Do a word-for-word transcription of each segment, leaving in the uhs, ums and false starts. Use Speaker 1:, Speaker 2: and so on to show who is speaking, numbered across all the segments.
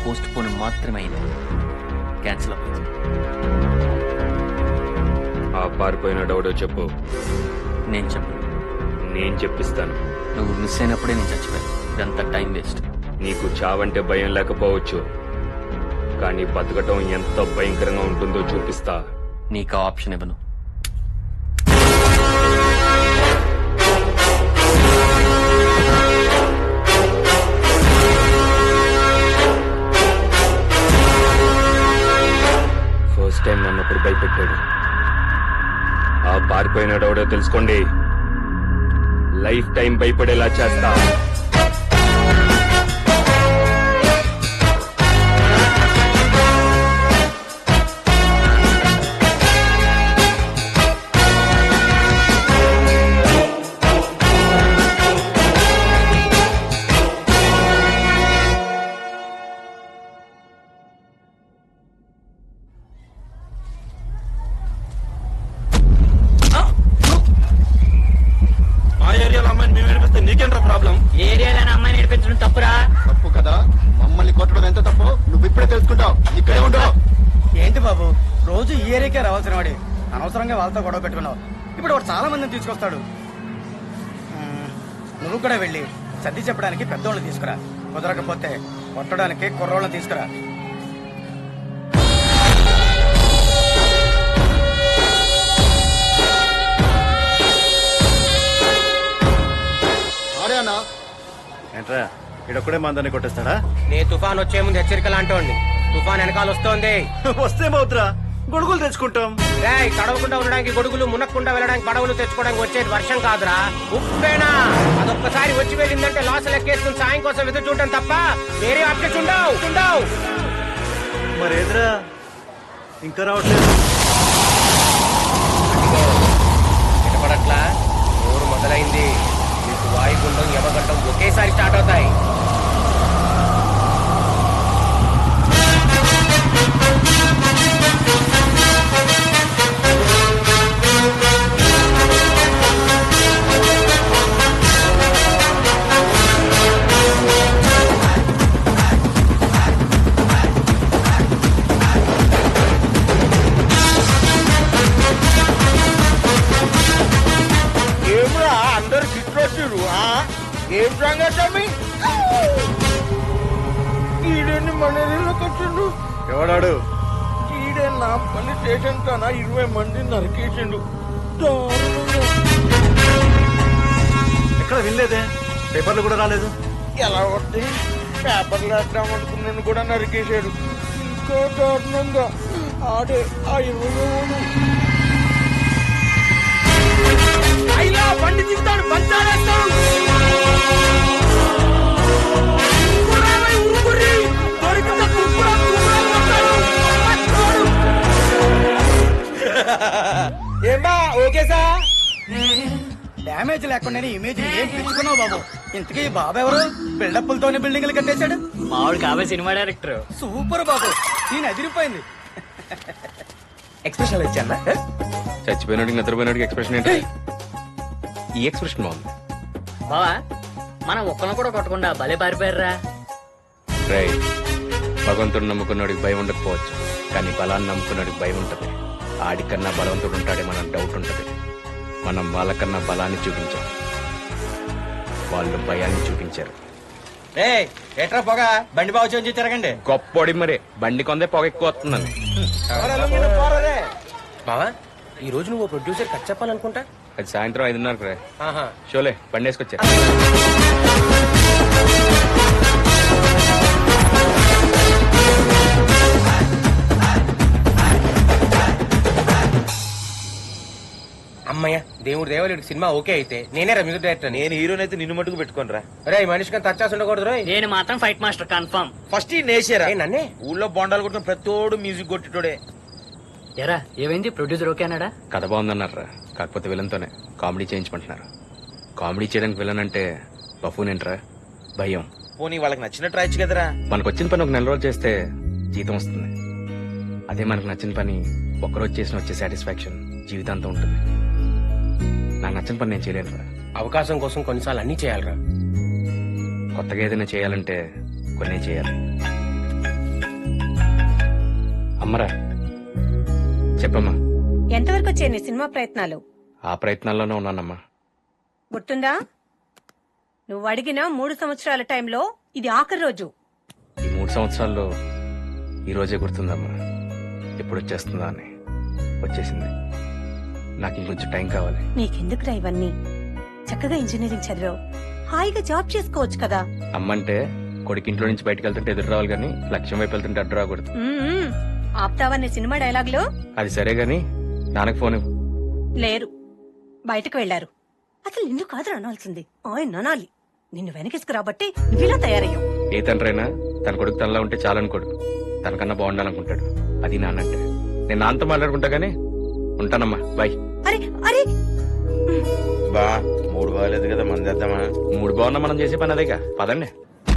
Speaker 1: Post phone మాత్రమే అయింది, cancel అవ్వలేదు.
Speaker 2: ఆ పారిపోయిన డౌడో చెప్పు.
Speaker 1: నేను చెప్పను.
Speaker 2: నేను చెప్పిస్తాను.
Speaker 1: నువ్వు మిస్ అయినప్పుడే నేను చచ్చిపోయాను. ఇదంతా టైం వేస్ట్.
Speaker 2: నీకు చావంటే భయం లేకపోవచ్చు, కానీ బతకటం ఎంత భయంకరంగా ఉంటుందో చూపిస్తా.
Speaker 1: నీకు ఆ ఆప్షన్ ఇవ్వను.
Speaker 2: ఫస్ట్ టైం నన్ను ఒకరు భయపెట్టాడు. ఆ పారిపోయినాడెవడో తెలుసుకోండి. లైఫ్ టైం భయపడేలా చేస్తా.
Speaker 3: ఏరియాలో అమ్మాయి నేర్పించడం తప్పురా?
Speaker 4: తప్పు కదా, మమ్మల్ని కొట్టడం ఎంత తప్పు నువ్వు ఇప్పుడే తెలుసుకుంటావు. ఇక్కడే ఉండవు.
Speaker 5: ఏంటి బాబు, రోజు ఈ ఏరియాకే రావాల్సిన వాడి అనవసరంగా వాళ్ళతో గొడవ పెట్టుకున్నావు. ఇప్పుడు వాడు చాలా మందిని తీసుకొస్తాడు. మ్మ్, నువ్వు కూడా వెళ్ళి సర్ది చెప్పడానికి పెద్దోళ్ళని తీసుకురా. కుదరకపోతే కొట్టడానికి కుర్రోళ్ళని తీసుకురా.
Speaker 4: ఏంట్రా ఇడొక్కడే మందని కొట్టేస్తాడా?
Speaker 3: నీ తుఫాన్ వచ్చే ముందు హెచ్చరిక లాంటోండి. తుఫాన్ వెనకాల వస్తోంది.
Speaker 4: వస్తేమవుతురా, గొడుగులు తెచ్చుకుంటాం.
Speaker 3: రేయ్, తడవకుండా ఉండడానికి గొడుగులు, మునక్కుండా వెళ్ళడానికి పడవలు తెచ్చుకోవడానికి వచ్చేది వర్షం కాదురా, ఉప్పేనా. అదొక్కసారి వచ్చి వెళ్ళిందంటే లాస్ లెక్కేసుకుని సాయం కోసం ఎదురు చూడటం తప్ప వేరే ఆప్షన్స్ ఉండవు ఉండవు
Speaker 4: మరేదిరా ఇంకా రావట్లేదు.
Speaker 3: వినపడట్లా? ఊరు మొదలైంది. మీకు వాయుగుండం, యమగండం ఒకేసారి స్టార్ట్ అవుతాయి. అందరు చిట్రొచ్చారు. ఏం సంగతి? ఈడని మన ఇళ్ళకొచ్చిండు.
Speaker 4: ఎవడాడు?
Speaker 3: ఈడే నా పల్లి స్టేషన్ కన్నా ఇరవై మంది నరికేసిండు.
Speaker 4: ఎక్కడ వినలేదే, పేపర్లు కూడా రాలేదు.
Speaker 3: ఎలా వస్తే పేపర్లు వేద్దాం అనుకున్నాను కూడా నరికేశాడు. ఇంకో దారుణంగా ఆడే ఆ ఇరవై అయినా బండి దిగుతాడు, బంతాడేస్తాడు. ఏమా ఓకే సార్?
Speaker 5: డ్యామేజ్ లేకుండా ఇమేజ్ ఏం పెంచుకున్నావు బాబు. ఇంతకీ బాబు ఎవరు? బిల్డప్లతోనే బిల్డింగ్లు కట్టేశాడు.
Speaker 1: మామిడి కాబోయే సినిమా డైరెక్టర్.
Speaker 5: సూపర్ బాబు, నేను అదిరిపోయింది.
Speaker 3: ఎక్స్ప్రెషన్ ఇచ్చానా?
Speaker 2: చచ్చిపోయినాడికి నిద్రపోయినాడికి ఎక్స్ప్రెషన్ ఏంటి? ఈ ఎక్స్ప్రెషన్ బాగుంది.
Speaker 1: బావా, మనం ఒక్కను కూడా కొట్టకుండా భలే పారిపోయారా.
Speaker 2: రై, భగవంతుడు నమ్ముకున్నాడికి భయం ఉండకపోవచ్చు, కానీ బలాన్ని నమ్ముకున్నాడికి భయం ఉంటుంది. ఆడికన్నా బలవంతుడు ఉంటాడే మనం డౌట్ ఉంటుంది. మనం వాళ్ళకన్నా బలాన్ని చూపించాం, వాళ్ళు భయాన్ని చూపించారు.
Speaker 3: ఎట్రా పొగ, బండి బాగు చేయించి తిరగండి.
Speaker 2: గొప్పోడి మరే, బండి కొందే పొగ ఎక్కువ వస్తుందని.
Speaker 3: బావా, ఈ రోజు నువ్వు ప్రొడ్యూసర్ కట్ చెప్పాలనుకుంటా.
Speaker 2: అది సాయంత్రం ఐదున్నరకు రా.
Speaker 3: ఆహా,
Speaker 2: షోలే బండి వేసుకొచ్చా.
Speaker 3: అమ్మయ్య, దేవుడు దేవలుడి సినిమా ఓకే అయితే నేనే రా మ్యూజిక్ డైరెక్టర్.
Speaker 6: నేను హీరోని అయితే నిన్ను మట్టుకు పెట్టుకోను రా.
Speaker 3: రే, మనిషికి టచ్ ఉండకూడదు రోయ్.
Speaker 1: నేను మాత్రం ఫైట్ మాస్టర్ కన్ఫర్మ్.
Speaker 6: ఫస్ట్ ఈ నేసారా
Speaker 3: ఏ నన్నే?
Speaker 6: ఊళ్ళో బొండాలు కొట్టిన ప్రతోడు మ్యూజిక్ కొట్టిటోడే.
Speaker 1: ఎరా ఏమైంది? ప్రొడ్యూసర్ ఓకే అన్నాడా?
Speaker 2: కథ బాగుందన్నారా, కాకపోతే విలన్తోనే కామెడీ చేయించమంటున్నారు. కామెడీ చేయడానికి విలన్ అంటే బఫూన్ ఏంట్రా, భయం.
Speaker 6: పోనీ వాళ్ళకి నచ్చినట్టు రాయొచ్చు కదరా.
Speaker 2: మనకు వచ్చిన పని ఒక నెల రోజులు చేస్తే జీతం వస్తుంది. అదే మనకు నచ్చిన పని ఒక్కరోజు చేసిన వచ్చే సాటిస్ఫాక్షన్ జీవితాంతం ఉంటుంది. నాకు నచ్చిన పని నేను చేయలేను రా.
Speaker 3: అవకాశం కోసం కొన్నిసార్లు అన్ని చేయాలరా.
Speaker 2: కొత్తగా ఏదైనా చేయాలంటే కొన్ని చేయాలి. అమ్మరా చెప్పమ్మా.
Speaker 7: ఎంతవరకు వచ్చాయి నీ సినిమా ప్రయత్నాలు?
Speaker 2: ఆ ప్రయత్నాల్లోనే ఉన్నానమ్మా.
Speaker 7: గుర్తుందా? నువ్వు అడిగిన మూడు సంవత్సరాల టైంలో ఇది ఆఖరి రోజు.
Speaker 2: ఈ మూడు సంవత్సరాల్లో ఈ రోజే గుర్తుందమ్మా. ఎప్పుడు వచ్చేస్తుందా అని. వచ్చేసింది. నాకు ఇంకొంచెం టైం కావాలి.
Speaker 7: నీకెందుకురా ఇవన్నీ? చక్కగా ఇంజనీరింగ్ చదివావు, హాయిగా జాబ్ చేసుకోవచ్చు కదా.
Speaker 2: అమ్మంటే కొడుకు ఇంట్లో నుంచి బయటకు వెళ్తుంటే ఎదురు రావాలి కానీ లక్ష్యం వైపు వెళ్తుంటే అడ్డు రాకూడదు.
Speaker 7: మ్మ్. ఆప్తావా నీ సినిమా డైలాగులు?
Speaker 2: అది సరే గాని నాన్నకు ఫోన్ ఇవ్వు.
Speaker 7: లేరు, బయటకు వెళ్లారు. అసలు నిన్ను కాదు అనాల్సింది, ఆయన అనాలి. నిన్ను వెనకేసుకురాబట్టి నువ్విలా తయారయ్యావు.
Speaker 2: ఏ తండ్రైనా తన కొడుకు తనలా ఉంటే చాలనుకోడు, తనకన్నా బాగుండాలనుకుంటాడు. అది నాన్నంటే. నేను నాన్నతో మాట్లాడుకుంటా గానీ ఉంటానమ్మా. బాయ్.
Speaker 7: అరే అరే
Speaker 6: బా మూడు బాగాలేదు కదా మందేద్దామా?
Speaker 2: మూడు బాగున్నా మనం చేసే పని అదేగా. పదండి.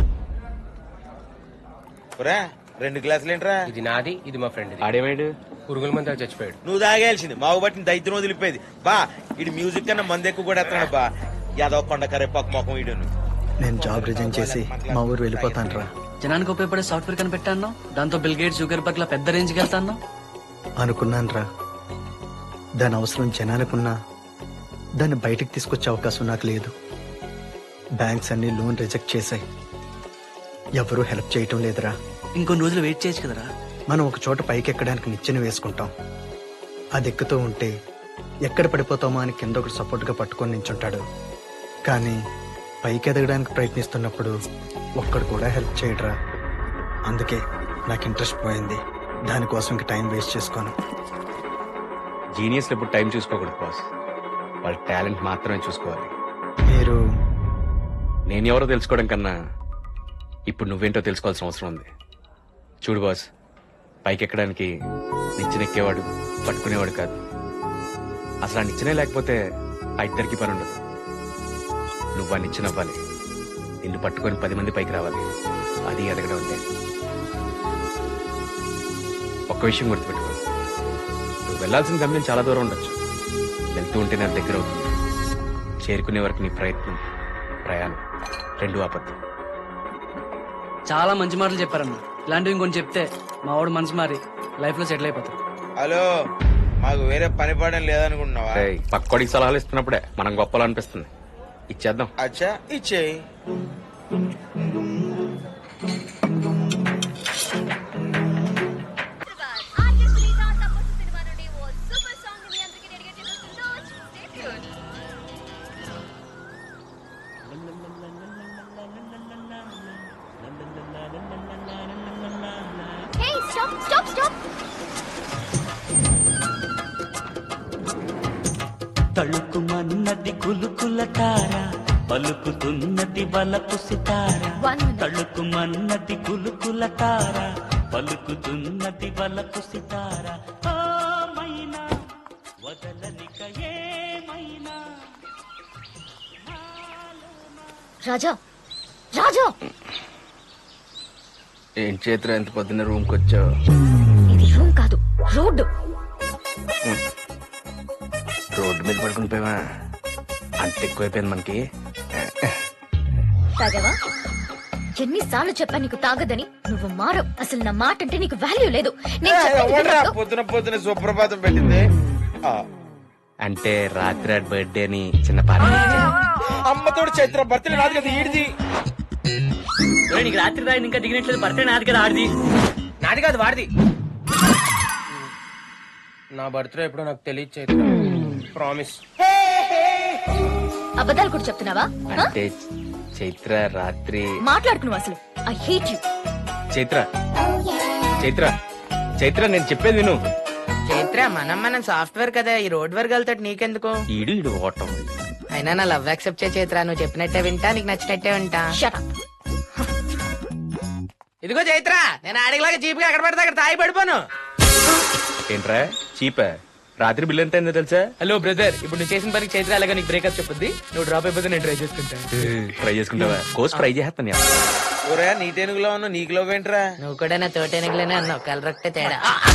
Speaker 6: ఒరే రెండు గ్లాసులు ఏంట్రా?
Speaker 3: ఇది నాది, ఇది మా ఫ్రెండ్.
Speaker 2: ఆడేమేడు
Speaker 3: పురుగుల మంది చచ్చిపోయాడు.
Speaker 6: నువ్వు తాగేయాల్సింది. మాకు బట్టి దైత్యం వదిలిపోయేది. బా ఇటు మ్యూజిక్ కన్నా మంది ఎక్కువ కూడా ఎత్తున్నాడు. బా యాదవ్ కొండ కరేపాకు మొఖం ఇడును.
Speaker 5: నేను జాబ్ రిజైన్ చేసి మా ఊరు వెళ్ళిపోతాను రా.
Speaker 8: జనానికి ఉపయోగపడే సాఫ్ట్వేర్ కనిపెట్టాను, దాంతో బిల్ గేట్స్ షుగర్ పట్ల పెద్ద రేంజ్కి వెళ్తాను
Speaker 5: అనుకున్నాను రా. దాని అవసరం జనానికున్నా దాన్ని బయటికి తీసుకొచ్చే అవకాశం నాకు లేదు. బ్యాంక్స్ అన్ని లోన్ రిజెక్ట్ చేశాయి. ఎవరూ హెల్ప్ చేయటం లేదురా.
Speaker 8: ఇంకొన్ని రోజులు వెయిట్ చేయొచ్చు కదరా.
Speaker 5: మనం ఒక చోట పైకి ఎక్కడానికి నిచ్చెన వేసుకుంటాం. అది ఎక్కుతూ ఉంటే ఎక్కడ పడిపోతామో అని కింద ఒకటి సపోర్ట్గా పట్టుకొని నించుంటాడు. కానీ పైకి ఎదగడానికి ప్రయత్నిస్తున్నప్పుడు ఒక్కడు కూడా హెల్ప్ చేయడరా. అందుకే నాకు ఇంట్రెస్ట్ పోయింది. దానికోసం ఇంక టైం వేస్ట్ చేసుకోను.
Speaker 2: జీనియస్లు ఎప్పుడు టైం చూసుకోకూడదు బాస్. వాళ్ళ టాలెంట్ మాత్రమే చూసుకోవాలి.
Speaker 5: మీరు
Speaker 2: నేను ఎవరో తెలుసుకోవడం కన్నా ఇప్పుడు నువ్వేంటో తెలుసుకోవాల్సిన అవసరం ఉంది. చూడు బాస్, పైకి ఎక్కడానికి నిచ్చెనెక్కేవాడు పట్టుకునేవాడు కాదు. అసలు ఆ నిచ్చెనే లేకపోతే ఆ ఇద్దరికి పని ఉండదు. నువ్వు ఆ నిచ్చెన అవ్వాలి. నిన్ను పట్టుకొని పది మంది పైకి రావాలి. అది ఎదగడం అంటే. ఒక్క విషయం గుర్తుపెట్టుకో, నువ్వు వెళ్లాల్సిన గమ్యం చాలా దూరం ఉండొచ్చు. వెళ్తూ ఉంటే నా దగ్గర అవుతుంది. చేరుకునే వరకు నీ ప్రయత్నం, ప్రయాణం రెండు ఆపద్దు.
Speaker 8: చాలా మంచి మాటలు చెప్పారన్న. ఇలాంటివి ఇంకొని చెప్తే మా వాడు మనసు మారి లైఫ్ లో సెటిల్ అయిపోతాడు.
Speaker 6: హలో, మాకు వేరే పని పడడం లేదనుకుంటున్నావా?
Speaker 2: ఏయ్, పక్కోడికి సలహాలు ఇస్తున్నప్పుడే మనం గొప్పలు అనిపిస్తుంది. ఇచ్చేద్దాం.
Speaker 6: అచ్చా ఇచ్చేయి.
Speaker 9: Hey, stop, stop, stop!
Speaker 10: తళుకుమన్నది కులుకుల తార, పలుకుతున్నది వలపు సితార. తళుకుమన్నది కులుకుల తార, పలుకుతున్నది వలపు సితార. ఓ మైనా వదలనిక ఏమైనా.
Speaker 9: రాజా, రాజా,
Speaker 2: ఏం చేతులు ఎంత పొద్దున్న రూమ్కి వచ్చావు?
Speaker 9: ఇది రూమ్ కాదు, రోడ్డు.
Speaker 2: రోడ్డు మీద పడుకుని పోయావా? అంత ఎక్కువైపోయింది మనకి.
Speaker 9: తాగావా? ఎన్నిసార్లు చెప్పా నీకు తాగదని? నువ్వు మారవు. అసలు నా మాట అంటే నీకు వాల్యూ లేదు. నేను చెప్పేది వినొద్దు.
Speaker 6: పొద్దున పొద్దున సుప్రభాతం పెట్టింది. ఆ,
Speaker 2: అంటే రాత్రి బర్త్డే అని చిన్న పార్టీ.
Speaker 6: అమ్మతోడు చైత్ర బర్త్డే రాదు కదా ఈడిది.
Speaker 1: ఒరేయ్, నీకు రాత్రి దాని ఇంకా దిగినట్లేదు. బర్త్డే నాది కదా, ఆడిది.
Speaker 3: నాది కాదు, వాడిది. నా బర్త్డే ఎప్పుడో నాకు తెలియదు చైత్ర. ప్రామిస్.
Speaker 9: అబద్ధాలు కూడా చెప్తున్నావా? హ?
Speaker 2: అంటే చైత్ర రాత్రి.
Speaker 9: మాట్లాడుకు నువ్వు అసలు. I hate you.
Speaker 2: Chaitra Chaitra Chaitra నేను చెప్పేది విను.
Speaker 1: చైత్ర, మనం మనం సాఫ్ట్వేర్ కదా, ఈ రోడ్ వర్క్ వెళ్తాడు నీకెందుకు?
Speaker 2: ఈడు ఈడు ఓటం.
Speaker 1: అయినా నా లవ్ యాక్సెప్ట్ చే చైత్ర. నువ్వు చెప్పినట్టే వింటా, నీకు నచ్చినట్టే వింటా.
Speaker 9: Shut up.
Speaker 1: ఇదిగో చైత్ర, నేను ఆడిలాగా చీప్గా ఎక్కడ పడితే అక్కడ తాగి పడిపోను.
Speaker 2: ఏంట్రా చీపా? రాత్రి బిల్ ఎంత అయిందో తెలుసా?
Speaker 1: హలో బ్రదర్, ఇప్పుడు నువ్వు చేసిన పనికి చైత్ర అలాగా నీకు బ్రేకప్ చెప్పుద్ది. నువ్వు డ్రాప్ అయిపోతే నేను ట్రై చేసుకుంటా.
Speaker 2: ట్రై చేసుకుంటావా? కోర్స్ ట్రై చేస్తాను.
Speaker 6: ఒరే నీటెనుగులో ఉన్న నీకు లవ్ ఏంట్రా?
Speaker 1: నువ్వు కూడా నా తోటెనగలేనే అన్నావు, కలరొక్టే తేడా.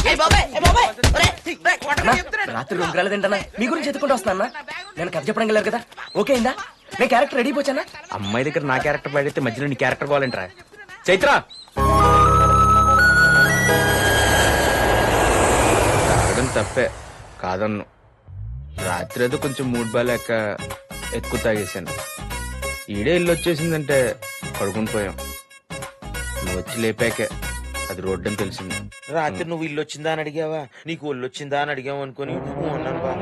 Speaker 8: రాత్రి రూమ్ రాలేదంటనా? మీ గురించి ఎత్తుకుంటూ వస్తున్నా. నేను కథ చెప్పడం వెళ్ళారు కదా, ఓకే అయిందా? నేను క్యారెక్టర్ రెడీ పోచానా?
Speaker 2: అమ్మాయి దగ్గర నా క్యారెక్టర్ పడితే మధ్యలో నీ క్యారెక్టర్ కావాలంటరా? చైత్ర తప్పే కాదన్ను. రాత్రి ఏదో కొంచెం మూడ్ బాలేక ఎక్కువ తాగేశాను. ఈడే ఇల్లు వచ్చేసిందంటే పడుకుని పోయాం. నువ్వు వచ్చి లేపాకే అది రోడ్డు అని తెలిసింది.
Speaker 6: రాత్రి నువ్వు ఇల్లు వచ్చిందా అని అడిగావా, నీకు ఒళ్ళు వచ్చిందా అని అడిగావు అనుకుని ఉన్నాను బా.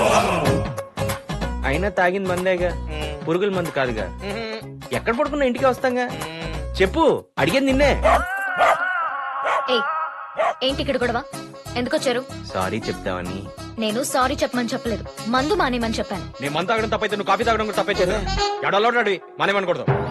Speaker 2: అయినా తాగింది మందేగా, పురుగుల మందు కాదుగా. ఎక్కడ పడుకున్నా ఇంటికి వస్తాంగా. చెప్పు, అడిగేది నిన్నే.
Speaker 9: ఏయ్, ఏంటి ఇక్కడ గొడవ? ఎందుకు వచ్చారు?
Speaker 2: సారీ చెప్తావని.
Speaker 9: నేను సారీ చెప్పమని చెప్పలేదు, మందు మానేమని చెప్పాను.
Speaker 2: నేను మందు తాగడం తప్పైతే నువ్వు కాఫీ తాగడం కూడా తప్పే చేసా. ఎడలో మానేమనకూడదు.